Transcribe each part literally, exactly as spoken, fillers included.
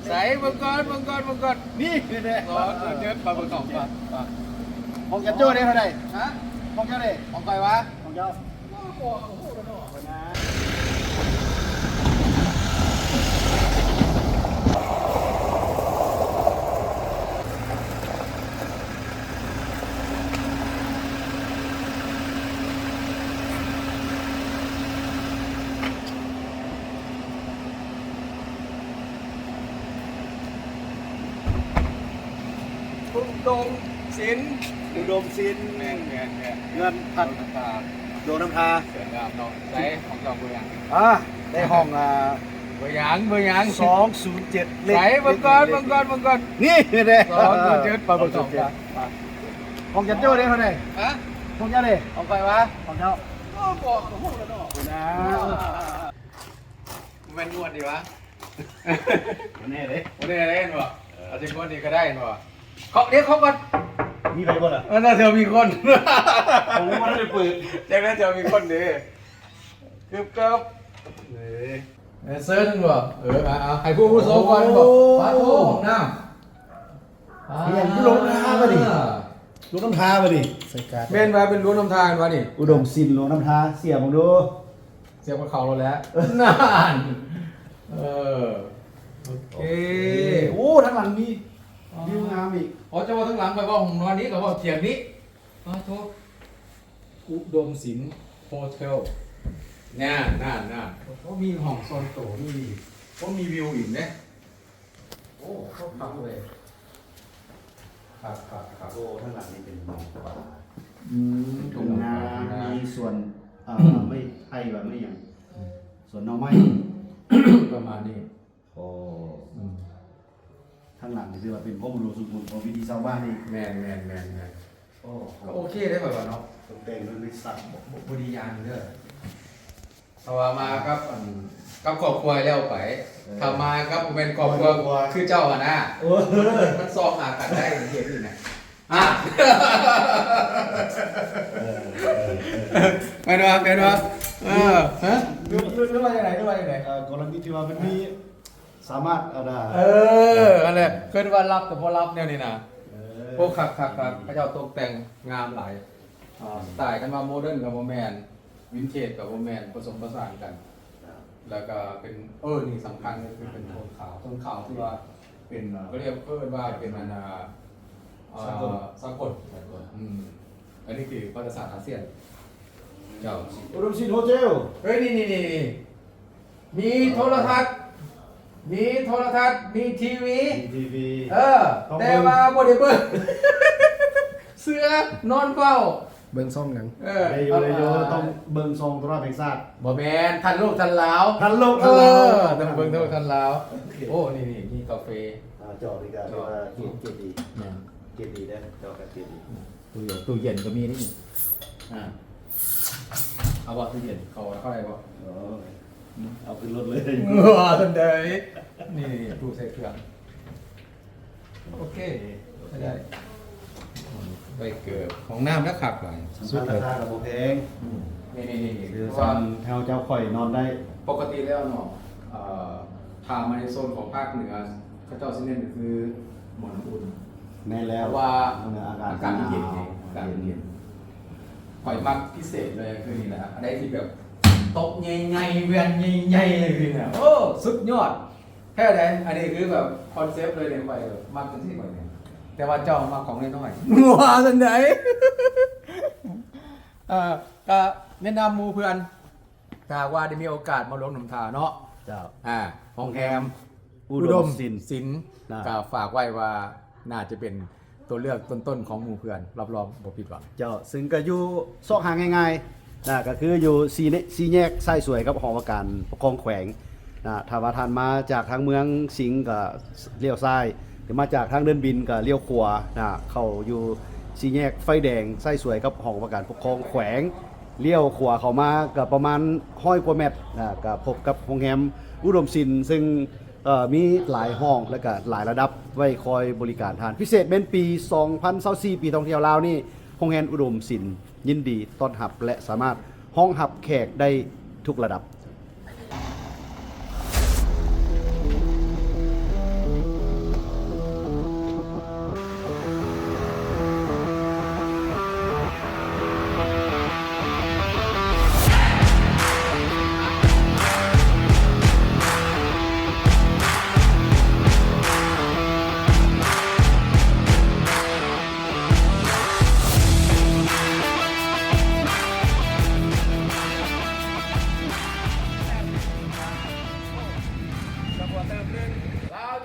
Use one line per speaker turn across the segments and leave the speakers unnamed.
ใส่มังกรมังกรมังกร
นี่เลย
ร้อนเยอะปลาบึกสองปลา
ของเจ้าเนี่ยเท่าไหร่
ฮะ
ของเจ้าเนี่ย
ของใครวะ
ของเจ้า
อุดมศิลป์
อุดมศิลป์
แม่นแม่นแม่น
เงินพัน
น้ำตา
โดนน้ำทา
เสืองามเนาะใส่ของเราเบอร์ยัง
อ่าได้ห้องอ่า
เบอร์ยังเบอร์ยัง
สองศูนย์เจ็ด
ใส่มังกรมังกรมังกร
นี่เลย
สองศูนย์เจ็ดปลาบึกสองปลา
ของเจ้าเนี่ยเท่าไหร่
ฮะ
ของเจ้าเนี่ย
ของใครวะ
ของเจ้า
โอ้บอกของพวกเราเนาะ
นะ
มันงวดดีวะ
แน่เลย
วันนี้อะไรกันวะอาจจะงวดนี้ก็ได้วะเขาเรียกเขาก่อน
มีใครบ้างล่ะ
มันน่าจะมีคน
ผมว่าได้เปิด
จากนั้นจะมีคนดีกึบกับนี่เซิร์ชนึงวะเออมาเอาให้ผู้ผู้โซก่อนบอกปาโต้ของน้ำ
เรียนลงน้ำมาดิลงน้ำทามาดิใส่การ์ด
เมนมาเป็นรั้วน้ำทางวะนี่
อุดมศิลป์ลงน้ำทาเสียผมดู
เสียบกับเขาเราแล้วนานเออโอเค
โอ้ทั้งหลังมีวิวงามอีก
อ๋อจะว่าทั้งหลังไปว่าของนอนนี้กับว่าเทียงนี้ปาโต้อุดมศิลป์โฮเทลน่าน่าน่าเขามีห้องโซนโตนี่เขามีวิวอีกนะโอ้เขาพักเลยครับครับครับ
โอ้ทั้งหลังนี่เป็นป่า
อืม
ทุ่งนามีส่วนอ่าไม่ไผ่แบบไม่อย่างส่วนหน่อไม้
ประมาณนี้
โอ้
อืม
ทั้งหลังนี่คือว่าเป็นข้อมูลสุดมุนของวิธีชาวบ้านนี่
แมนแมนแมนแมน
โอ้
ก็โอเคได้แบบว่าเนาะ
ตกแต่งด้วยวิสัย
บริยานเด้อถ้าว่ามากับอันกับครอบครัวแล้วไปถ้ามากับเป็นครอบครัวคือเจ้าอะนะ
โอ้
มันซองหากันได้เห็นอยู่นะอ่ะไปดูไปดูเออฮะดูดูดูว่าอย่างไรดูว่าอย่างไร
เอ่อกรณีที่ว่ามันมีสามารถเอาได้
เอออันนี้เคยว่ารับแต่พอรับเนี่ยนี่นะ
เออ
พวกขักขักขักพระเจ้าตกแต่งงามหลายอ่าสไตล์กันมาโมเดิร์นกับโมแมนวินเทจกับโมแมนผสมผสานกัน แล้วก็เป็นเออนี่สำคัญก็คือเป็นโทนขาวโทนขาวที่ว่าเป็นก็เรียกเพิ่นว่าเป็นอันนาเอ่อสากลอืมอันนี้คือภาษาศาสตร์อาเซียนเจ้า
อุดมศิลป์โฮเทล
เฮ้ยนี่นี่นี่นี่มีโทรทัศน์มีโทรทัศน์มีทีวี
ทีวี
เออแต่ว่าบ่ได้เบิ่งเสื้อนอนเฝ้า
เบิ้งซ่องหนัง
เออ
ได้อยู่ได้อยู่ต้องเบิ่งซองโทรทัศน์แห่งชาติ
บ่แม่นทันโลกทันลาว
ทันโลก
เอ
ทันลาว
อต้องเบิ่งทันโลกทันลาวโอ้นี่นี่มีกาแฟ
อ่าจอดีกันเรียกว่าเกียรติเกียรติดี
แม่น
เกียรติดีได้จอกับเกียรติดี
ตู้เย็นตู้เย็นก็มีนี่อ่าเอาบ่ตู้เย็นเขาเข้าได้บ่
เออเอาขึ้นรถเลย
ว้าทันใดนี่ตู้ใส่เครื่องโอเคได้ไปเกิดของน้ำแล้วขับหน่อย
สุดราคากับโบแพง
นี่นี่นี่
คือ
เพราะ
ซั
ว่าน
แถวเจ้าข่อยนอนได้
ปกติแล้วเนาะเอ่อทางมาในโซนของภาคเหนือเขาเจ้าสิเน้นคือหมอนอุ่น
แน่แล้
เพ
ว
ราะว่า
อากาศ
อากาศมันเย็นไงอากาศมันเย็นข่อยมักพิเศษเลยคือนี่แหละอันใดที่แบบโต๊ะใหญ่ๆเวียนใหญ่ๆเลยคือเนี่ยโอ้สุดยอดแค่ไหนอันนี้คือแบบคอนเซปต์เลยเนี่ยข่อยแบบมักเป็นที่ข่อยเนี่ยแต่ว่าเจ้ามาของน้อยๆว้าสันไหน เอ่อก็แนะนำหมูเพื่อนถ้าหากว่าได้มีโอกาสมาลงหนุ่มทาเนาะ
เจ้า
อ่าห้องแฮม
อุดมศิลป์
ศิลป์
นะ
ก็ฝากไว้ว่าน่าจะเป็นตัวเลือกต้นๆของหมู่เพื่อนรับรองบ่ผิดหวัง
เจ้าซึ่งก็อยู่ซอกหางง่ายๆนะก็คืออยู่ซีเนซีแยกไส้สวยกับหอว่าการปกครองแขวงนะถ้าว่าท่านมาจากทางเมืองสิงห์ก็เลี้ยวซ้ายหรือมาจากทางเดินบินก็เลี้ยวขวานะเข้าอยู่ซีแยกไฟแดงไส้สวยกับหอว่าการปกครองแขวงเลี้ยวขวาเข้ามาก็ประมาณห้อยกว่าเมตรนะก็พบกับโรงแรมอุดมศิลป์ซึ่งเอ่อมีหลายห้องและก็หลายระดับไว้คอยบริการทานพิเศษเป็นปีสองพันยี่สิบสี่ปีท่องเที่ยวลาวนี่โรงแรมอุดมศิลป์ยินดีต้อนรับและสามารถห้องหับแขกได้ทุกระดับ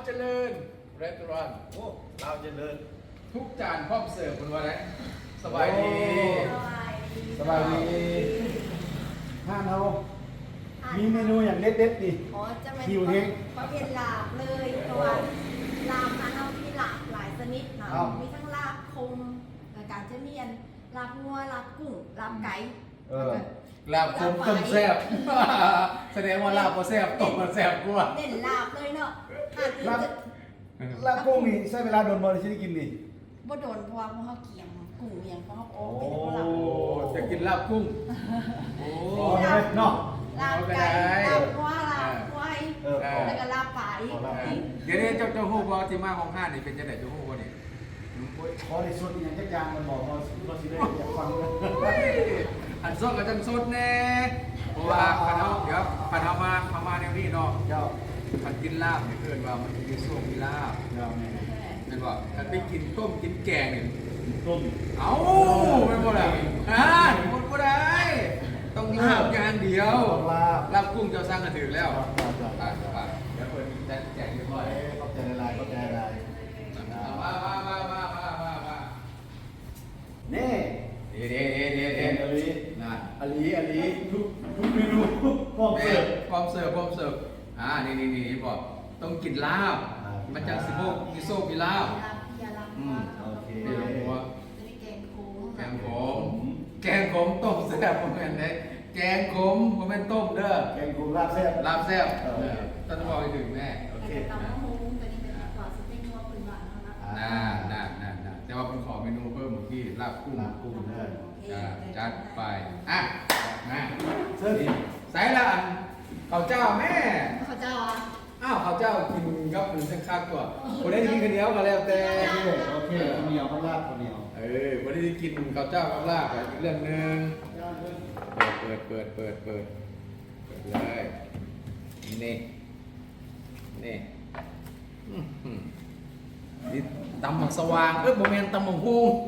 เจริญร้าน
โอ้เราเจริญ
ทุกจานพร้อมเสิร์ฟคุณว่าไงสบายดี
สบายดีห้านเรามีเมนูอย่างเด็ดๆดิ
อ๋อจะเป็น
คิวเฮง
ประเภทลาบเลยเพราะว่าลาบนะเรามีลาบหลายชนิดเนาะ
ครับ
มีทั้งลาบคมแล้วการจะมีอันลาบงัวลาบกุ้งลาบไก่
เออ
ลาบคมต้มแซ่บ แสดงว่าลาบก็แซ่บต้มก็แซ่บกว่า
เน้นลาบเลยเนาะหาก
ลาบ
จะ
ลาบกุ้งนี่ใช้เวลาโดนบอลที่ได้กินนี่
บ่โดนเพราะว่าพวกเขาเกี่ยมกุ้งเมียงเพราะเขาโอ้
โอ้
เป็นพวกลาบ
โอ้จะกินลาบกุ้งโอ้
อ๋อได้เนาะ
ลาบไก่ลาบงัวลาบควาย
เออพอ
แล้วก็ลาบป่าอีก
พอลาบ
เดี๋ยวนี้เจ้าเจ้าฮู้บ่ที่มาของห้านี่เป็นจังไดเจ้าฮู้บ่นี่
ขอในส่วนอย่างจักอย่างมันบอกเราเราสิได้อยากฟังนะ
อันสดก็จังสดแน่เพราะว่าคันเฮาเดี๋ยวคันเฮามาเฮามาแนวนี้เนาะ
เจ้า
คันกินลาบนี่เอิ้นว่ามันมีส้มมีลาบ
เจ้าแม่
แม่นบ่คันไปกินต้มกินแกงนี่
ต้ม
เอ้าแม่นบ่ล่ะอ่าหมดบ่ได้ ต้องลาบอย่างเดียว
ลาบ
ลาบกุ้งเจ้าสร้างกันถึงแล้ว
ครับครับครับ
อ่าอ่าเดี๋ยวเปิดแจกแจกเรียบร้อย
ขอบใจหลายๆขอบใจหลาย
มามามามามามามา
ๆนี่
เดี๋ยวเดี๋ยวเดี๋ยว
เอ็
เดี๋ย
น
ว
อลี
น่ะ
อลีอลีทุกทุกเมนูพร้อม
แม่
เสิร์ฟ
พร้อมเสิร์ฟพร้อมเสิร์ฟอ่านี่นี่นี่บอกต้องกินลาบ
อ่ามั
มันจังสิโมกมีโซกมีลาบ
ลาบเพียลาบ
อืม
งัว
โอเค
เดี๋ยวหัว
จะได้แกงโค้ง
แกงขมแกงขมต้มแซ่บผมเป็นไงแกงขมผมเป็นต้มเด้อ
แกงกุ้งลาบแซ่บ
ลาบแซ่บ
เออ
เออต้องบอกให้ถึงแม่
โอเค
แล้วก็ตำมะฮุ้งตัวนี้เป็นกว่าสเต็กงัวปืนหวานเท่านั้น
น่าน่าน่าน่าแต่ว่าผมขอเมนูเพิ่มเมื่อกี้ลาบกุ้ง
ลาบกุ้งเด้อ
จ้าจัดไปอ่ะมา
เสิร์ฟอีก
ใส่ละอันข้าวเจ้าแม่
เขาเจ้าอ่ะ
อ้าวข้าวเจ้ากินกับหมูสักคักกว่าคนได้กินข้าวเหนียวก็แล้วแต่
โอเคโอเคข้าวเหนียวข้าวลาบข้าวเหนียว
เออคนได้กินข้าวเจ้ากับลาบอีกเรื่องหนึ่งเปิดเปิดเปิดเปิดเปิดเปิดเลยนี่นี่อื้อหือนี่ตำหมักสว่างเอ้ยโมเมนตำหมักฮูง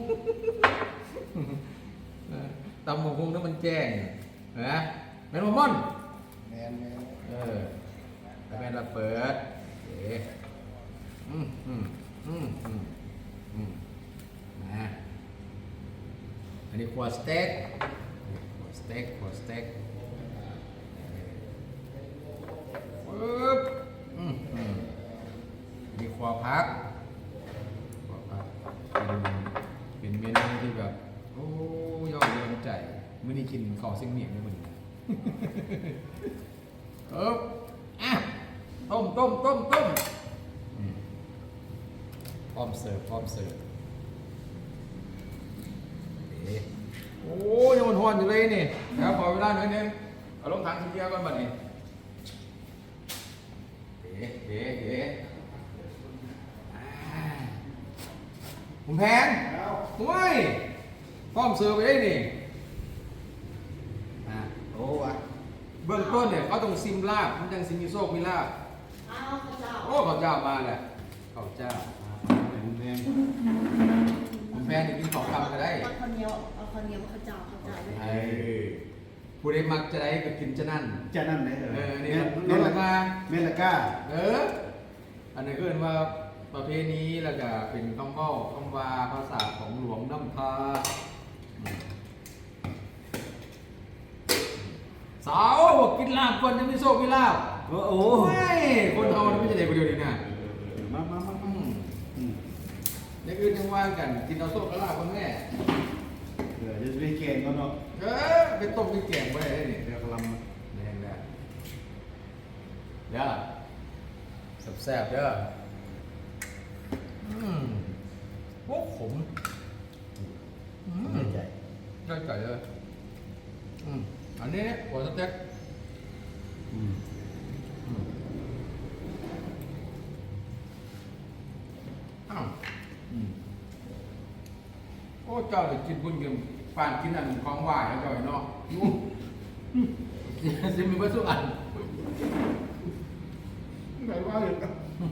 เออตำหมักฮูงนั่นมันแจ้งเห็นไหมแมนโมมอน
แมนแมน
เออแล้วแม่เราเปิดเอ๋อืมอืมอืมอืมอืมนะอันนี้ขวดสเต็กขวดสเต็กขวดสเต็กปึ๊บอืมอืมอันนี้ขวดพักขวดพักเป็นเป็นเมนูที่แบบโอ้ยอดเยี่ยมใจมื้อนี้กินข้าวเส้นเหนียงเลยมื้อนี้ เอออ่ะต้มต้มต้มต้มอืมพร้อมเสิร์ฟพร้อมเสิร์ฟเอ๊ะโอ้ยยังมันหอนอยู่เลยนี่นะครับขอเวลาหน่อยนึงเอาลงถังทีเดียวก่อนบัดนี้เอ๊ะเอ๊ะเอ๊ะอ่าผมแพงโอ้ยพร้อมเสิร์ฟไปเลยนี่อ่ะ
โอ้วะ
เบื้องต้นเนี่ยเขาต้องซิมลาบมันจังซิมีโซกมีลาบ
อ้าวเขาเจ้า
โอ้ข้าวเจ้ามาแหละข้าวเจ้า
แมนแมน
ผมแฟนเนี่ยกินของคำก็ได้
เอาคนเดียวเอาคนเดียวเขาเจ้าเขาเจ้าด้วย
เออผู้ใดมักจะได้ก็กินจะนั่น
จะนั่นไหนเอ
เอ
อ
อ
เม
นี่
น
ล
เม
ด
น
รา
ละ
คา
เมนละก้า
เออ อันนี้ก็เรียกว่าประเพณีแล้วก็เป็นคำเว้าคำว่าภาษาของหลวงน้ำพาอืมสาวบอกกินลาบก่อนจะมีโซกมีลาบ
โอ้โห
โอ้ยคนเอาไม่ใช่เด็กคนเดียวนี่นะ
มามามา
อื
มาม อืม
เด็กอื่นยังว่างกันกินเอาโซกกับลาบคนแม่
เดี๋ยวจะไปเก่งกันเนาะ
เออไปต้มไปแกงไว้ได้นี่เดี๋ยวกำลังแรงแล้วเดี๋ยวแซ่บๆเด้ออืมโอ้ขมอืม
ไม่ใจ
ได้ใจเลยอืมอันนี้หัวสเต็ก
อืม
อืมอ้าว
อืม
โอ้เจ้าเดี๋ยวกินบุญกินปานกินอันของหวานแล้วเจ้าเนาะยูซิมีเบอร์สุอันไหนว่าอยู่กัน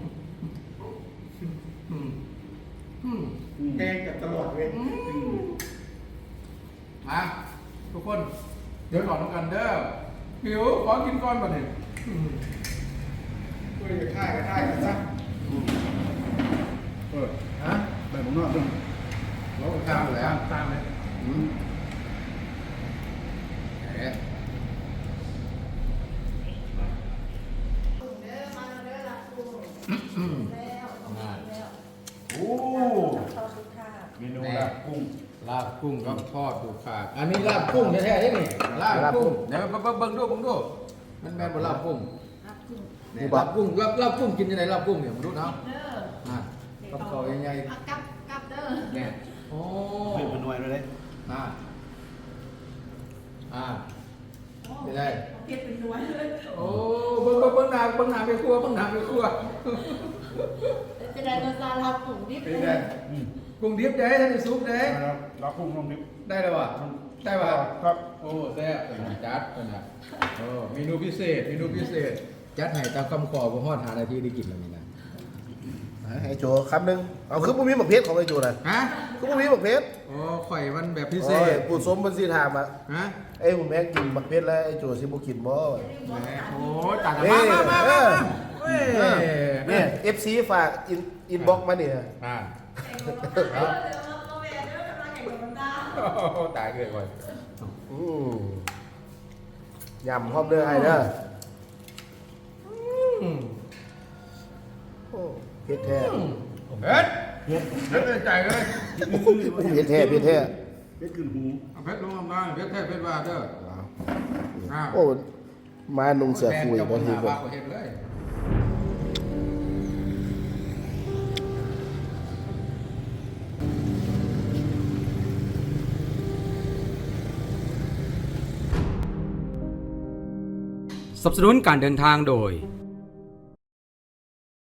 อืมอืม
แกงกับตลอดเว้ย
อืมมาทุกคนเดี๋ยวก่อนต้องกันเด้อหิวขอกินก่อนก่อนหนึ่ง
คุยกับข้ากับข้ากันซะ
อืม
นอกเรื่อง
รถข้ามแล้ว
ตามเลย
อืมแหม
เด้อมาเด้อละกูแล้วแล้ว
โอ้
ขอบคุณค่ะ
เมนูลาบกุ้ง
ลาบกุ้งก็ทอดดูขาดอันนี้ลาบกุ้งแท้ๆนี่นี่ลาบกุ้งเดี๋ยวเบิ่งเบิ่งดูเบิ่งดูมันแม่นบ่ลาบกุ้ง
ครับคุณ
นี่ลาบกุ้งลาบลาบกุ้งกินยังไงลาบกุ้งเนี่ยมาดูเนาะ
เด้อ
อ่ะกับเขาใหญ่
อ่ะกลับกลับเด้อ
ๆเนี่ยโอ้
เป็นเป็นหน่วยเลย
อ่าอ่าไม่ได้
เก็บเป็นหน่วยเลย
โอ้เบิ่งเบิ่งเบิ่งหน้าเบิ่งหน้าไปครัวเบิ่งหน้าไปครัว
จะได้ตัวซาลาปุ๋งดิบ
เป็นไงกุ้งดิบเด้ท่านได้ซุปเด้
ลาบกุ้งลงนิด
ได้แล้ววะได้ป่ะ
ครับ
โอ้แซ่บจัดเป็นไงโอ้เมนูพิเศษเมนูพิเศษจัดให้ตามคำขอบ่ฮอดหานาทีได้กินแล้วนี่นะ
ไอ้โจคำหนึ่งเอาคือบุมีหมกเพชรของไอ้โจนะ
ฮะ
คือบุมีหมกเพชร
โอ้ข่อยมันแบบพิเศ
โอ้ย
ษ
ปู่สมบันสีถามอ่ะ
ฮะ
ไอ้ผมแม่งกินหมกเพชรแล้วไอ้โจสิบุกินบ่
แหมโอ้ตัดมามามามาเว้ย
เนี่ยเอฟซีฝากอินอินบ็อกมาเนี่ย
อ่า
เด้อเด้อมาแม่เด้อกำลังแข่งกับน้ำตา
โอ้ตายเลยก่อน
อืมยำพร้อมเด้อไอ้เด้อ
อืม
โอ้เพชรแท้
เฮ็ดเฮ็ดเฮ็ดเลยใจเลย
เพชรแท้เพชรแท้
เพชรขึ้นหู
เอาเพชรลงมาเพชรแท้เพชรว่าเด้ออ้าว
โอ้มานุ่งเสือคุย
แฟน
บางที
เจ้า
ก็
ปัญหาว่าเขาเฮ็ดเลย
สนับสนุนการเดินทางโดย